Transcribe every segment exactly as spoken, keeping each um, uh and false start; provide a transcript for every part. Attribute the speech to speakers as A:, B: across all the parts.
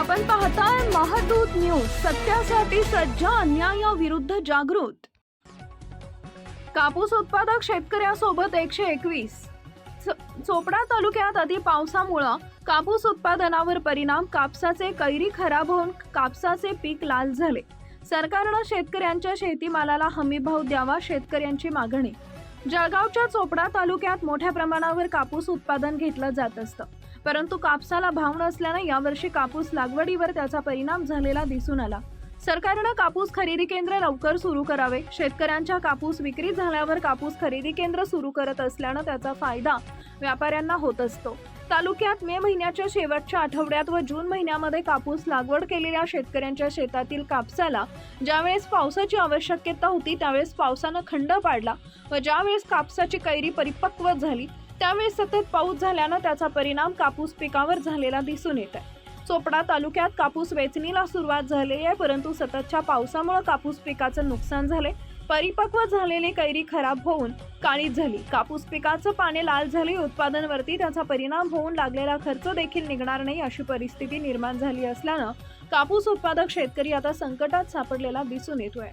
A: आपण पाहताय महादूत न्यूज, सत्यासाठी सज्ज, अन्यायाविरुद्ध जागृत। कापूस उत्पादक शेतकऱ्यासोबत एकशे एकवीस। चोपडा तालुक्यात अति पावसामुळे कापूस उत्पादनावर परिणाम, कापसाचे कैरी खराब होऊन कापसाचे पीक लाल झाले। सरकारने शेतकऱ्यांच्या शेतीमालाला हमीभाव द्यावा, शेतकऱ्यांची मागणी। जळगावच्या चोपडा तालुक्यात मोठ्या प्रमाणावर कापूस उत्पादन घेतलं जात असतं, परंतु कापसाला भाव नसल्याने यावर्षी कापूस लागवडीवर त्याचा परिणाम झालेला दिसून आला। सरकारने कापूस खरेदी केंद्र लवकर सुरू करावे। शेतकऱ्यांच्या कापूस विक्री झाल्यावर कापूस खरेदी केंद्र सुरू करत असल्याने त्याचा फायदा व्यापाऱ्यांना होत असतो। तालुक्यात मे महिन्याच्या शेवटच्या आठवड्यात व जून महिन्यामध्ये कापूस लागवड केलेल्या शेतकऱ्यांच्या शेतातील कापसाला ज्यावेळेस पावसाची आवश्यकता होती त्यावेळेस पावसाने खंड पाडला व ज्यावेळेस कापसाची कैरी परिपक्व झाली त्यावेळेस सतत पाऊस झाल्याने त्याचा परिणाम कापूस पिकावर झालेला दिसून येत आहे। चोपडा तालुक्यात कापूस वेचणीला सुरुवात झाली आहे, परंतु सततच्या पावसामुळे कापूस पिकाचं नुकसान झाले। परिपक्व झालेली कैरी खराब होऊन काळीच झाली। कापूस पिकाचं पाने लाल झाले। उत्पादनावरती त्याचा परिणाम होऊन लागलेला खर्च देखील निघणार नाही अशी परिस्थिती निर्माण झाली असल्यानं कापूस उत्पादक शेतकरी आता संकटात सापडलेला दिसून येतोय।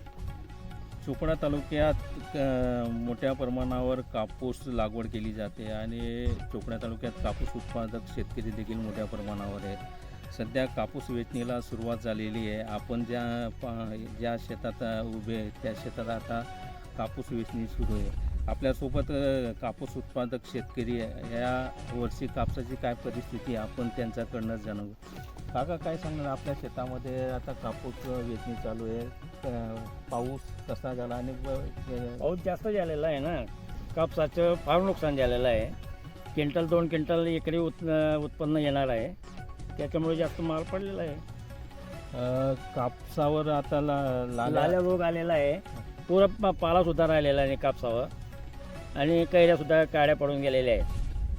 B: चोपडा तालुक्यात मोठ्या प्रमाणावर कापूस लागवड केली जाते आणि चोपडा तालुक्यात कापूस उत्पादक शेतकरी देखील मोठ्या प्रमाणावर आहेत। सध्या कापूस वेचणीला सुरुवात झालेली आहे। आपण ज्या ज्या शेतात उभे आहे त्या शेतात आता कापूस वेचणी सुरू आहे। आपल्यासोबत कापूस उत्पादक शेतकरी या वर्षी कापसाची काय परिस्थिती आपण त्यांच्याकडनं जाणू। काका काय सांगणार, आपल्या शेतामध्ये आता कापूस वेचणी चालू आहे, पाऊस कसा झाला आणि
C: पाऊस जास्त झालेला आहे ना, कापसाचं फार नुकसान झालेलं आहे। क्विंटल दोन क्विंटल एकरी उत् उत्पन्न येणार आहे, त्याच्यामुळे जास्त माल पडलेला आहे।
B: कापसावर आता ला
C: लाल्या रोग आलेला आहे, पुरा पाला सुद्धा राहिलेला आहे कापसावर आणि कैऱ्या सुद्धा काड्या पडून गेलेल्या आहेत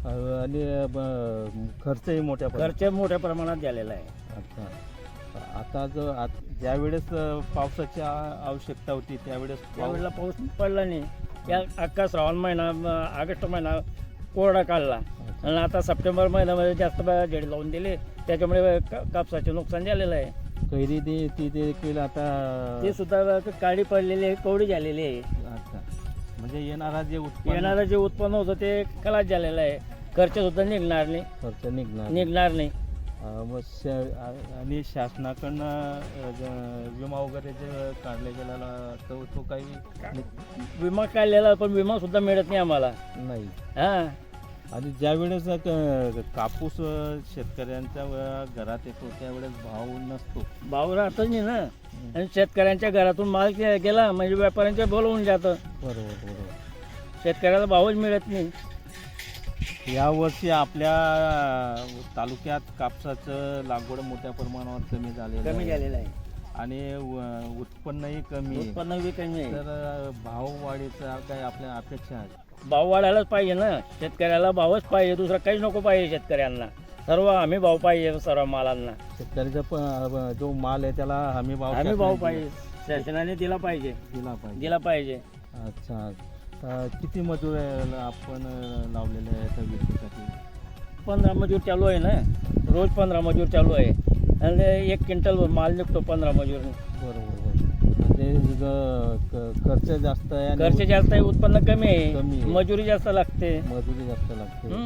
B: आणि खर्चही मोठ्या
C: खर्च मोठ्या प्रमाणात झालेला आहे।
B: अच्छा, आता जो ज्या वेळेस पावसाची आवश्यकता होती त्यावेळेस
C: त्यावेळेला पाऊस पडला नाही। या अख्खा श्रावण महिना ऑगस्ट महिना कोरडा काढला आणि आता सप्टेंबर महिन्यामध्ये जास्त झेड लावून दिले, त्याच्यामुळे कापसाचे नुकसान झालेलं आहे।
B: कैरी दे ती देखील आता
C: ते सुद्धा काळी पडलेली आहे, कवडी झालेली आहे।
B: अच्छा, म्हणजे येणारा जे उत्पन्न
C: येणारं जे उत्पन्न होतं ते खलास झालेलं आहे, खर्च सुद्धा निघणार नाही
B: खर्च निघणार
C: निघणार नाही
B: मग आणि शासनाकडनं विमा वगैरे जे काढले गेलेला तो तो काही
C: विमा काढलेला, पण विमा सुद्धा मिळत नाही आम्हाला
B: नाही।
C: हां,
B: आणि ज्या वेळेस कापूस शेतकऱ्यांच्या घरात येतो त्यावेळेस भाव नसतो,
C: भाव राहतच नाही ना, आणि शेतकऱ्यांच्या घरातून माल गेला म्हणजे व्यापाऱ्यांच्या बोलवून जातं।
B: बरोबर बरोबर,
C: शेतकऱ्याला भावच मिळत नाही।
B: यावर्षी आपल्या तालुक्यात कापसाचं लागवड मोठ्या प्रमाणावर कमी झालेलं
C: कमी झालेलं आहे
B: आणि उत्पन्नही कमी आहे।
C: उत्पन्न बी कमी आहे,
B: तर भाव वाढीचा काय आपल्या अपेक्षा आहे?
C: भाव वाढायलाच पाहिजे ना, शेतकऱ्याला भावच पाहिजे, दुसरं काहीच नको पाहिजे शेतकऱ्यांना। सर्व हमी भाव पाहिजे सर्व मालांना।
B: शेतकऱ्याचा जो माल आहे त्याला हमी भाव
C: हमी भाव पाहिजे, शासनाने दिला पाहिजे
B: दिला पाहिजे
C: दिला पाहिजे
B: अच्छा, किती मजूर आपण लावलेले आहेत विक्रीसाठी?
C: पंधरा मजूर चालू आहे ना, रोज पंधरा मजूर चालू आहे आणि एक क्विंटल माल निघतो पंधरा मजूर।
B: बरोबर, म्हणजे खर्च जास्त आहे,
C: खर्च जास्त आहे, उत्पन्न कमी आहे,
B: कमी आहे,
C: मजुरी जास्त लागते
B: मजुरी जास्त लागते,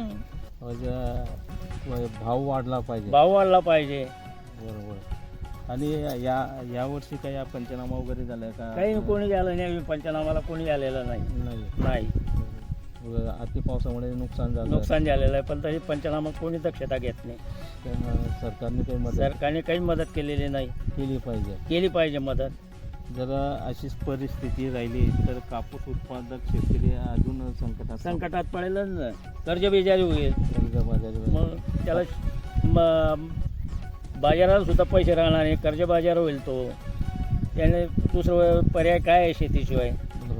B: भाव वाढला पाहिजे
C: भाव वाढला पाहिजे।
B: बरोबर, आणि या या वर्षी काही पंचनामा वगैरे झालाय का?
C: काही कोणी झालं नाही, पंचनामाला कोणी झालेलं नाही नाही
B: अति पावसामुळे नुकसान झालं
C: नुकसान झालेलं आहे, पण तरी पंचनामा कोणी दक्षता घेत नाही।
B: सरकारने काही मदत
C: सरकारने काही मदत केलेली नाही,
B: केली पाहिजे
C: केली पाहिजे मदत।
B: जर अशीच परिस्थिती राहिली तर कापूस उत्पादक शेतकरी अजून संकटात
C: संकटात पडेलच ना, कर्जबिजारी होईल,
B: कर्जबाजारी
C: मग त्याला बाजाराला सुद्धा पैसे राहणार नाही, कर्जबाजार होईल तो, त्याने दुसरं पर्याय काय आहे शेतीशिवाय?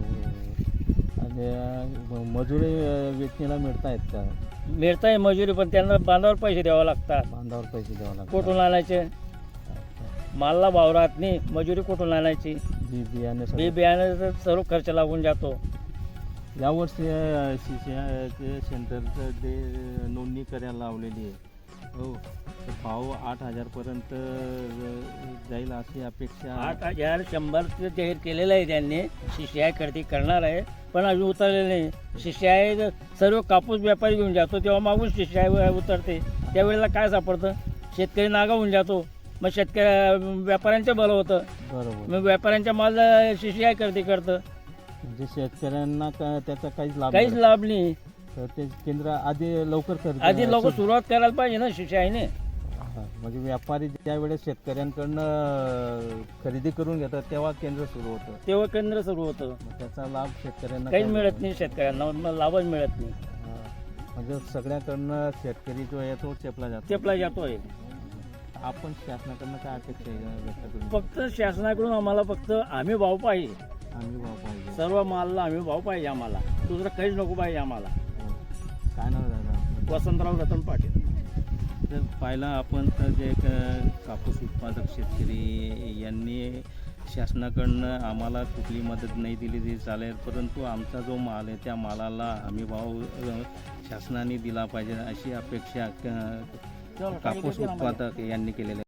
B: आणि मजुरी वेचणीला मिळतायत का?
C: मिळताय मजुरी, पण त्यांना बांधावर पैसे द्यावं लागतात।
B: बांधावर पैसे द्यावं लागतात,
C: कुठून आणायचे? मालला भाव राहत नाही, मजुरी कुठून आणायची?
B: बी बियाणे
C: बी बियाणे सर्व खर्च लागून जातो।
B: यावर्षी सेंटरचं ते नोंदणी करायला लावलेली आहे, हो तर भाव आठ हजारपर्यंत जाईल अशी अपेक्षा
C: आठ हजार शंभरचं जाहीर केलेलं आहे त्यांनी. शिष्याय करते करणार आहे पण अजून उतरलेलं नाही. शिष्याय सर्व कापूस व्यापारी घेऊन जातो तेव्हा मागून शिष्याय उतरते, त्यावेळेला काय सापडतं, शेतकरी नागावून जातो. मग शेतकरी व्यापाऱ्यांचं बरं होतं,
B: बरोबर.
C: मग व्यापाऱ्यांच्या माल शिष्याय करते करतं,
B: म्हणजे शेतकऱ्यांना का त्याचा काहीच लाभ
C: काहीच
B: मिळत
C: लाभ नाही.
B: तर ते केंद्र आधी लवकर खरेदी
C: आधी लोक सुरुवात करायला पाहिजे ना शिष्याने.
B: हा, म्हणजे व्यापारी ज्या वेळेस शेतकऱ्यांकडनं अं, खरेदी करून घेतात तेव्हा केंद्र सुरू होतं.
C: तेव्हा केंद्र सुरू होतं,
B: मग त्याचा लाभ शेतकऱ्यांना
C: काहीच
B: काय
C: मिळत नाही शेतकऱ्यांना, मग लाभच मिळत नाही.
B: हा, म्हणजे सगळ्याकडनं शेतकरी जो आहे तो चेपला जातो.
C: चेपला जातोय.
B: आपण शासनाकडनं काय अपेक्षा आहे व्यक्त करून?
C: फक्त शासनाकडून आम्हाला फक्त आम्ही भाव पाहिजे,
B: आम्ही भाव पाहिजे.
C: सर्व मालला आम्ही भाव पाहिजे, आम्हाला दुसरं काहीच नको पाहिजे आम्हाला.
B: हो. काय नाव दादा?
C: वसंतराव रतन पाटील.
B: तर पाहिलं आपण तर जे क- कापूस उत्पादक शेतकरी यांनी शासनाकडनं आम्हाला कुठली मदत नाही दिली तरी चालेल, परंतु आमचा जो माल आहे त्या मालाला हमी भाव अ, शासनाने दिला पाहिजे अशी अपेक्षा क- कापूस उत्पादक यांनी केलेली आहे.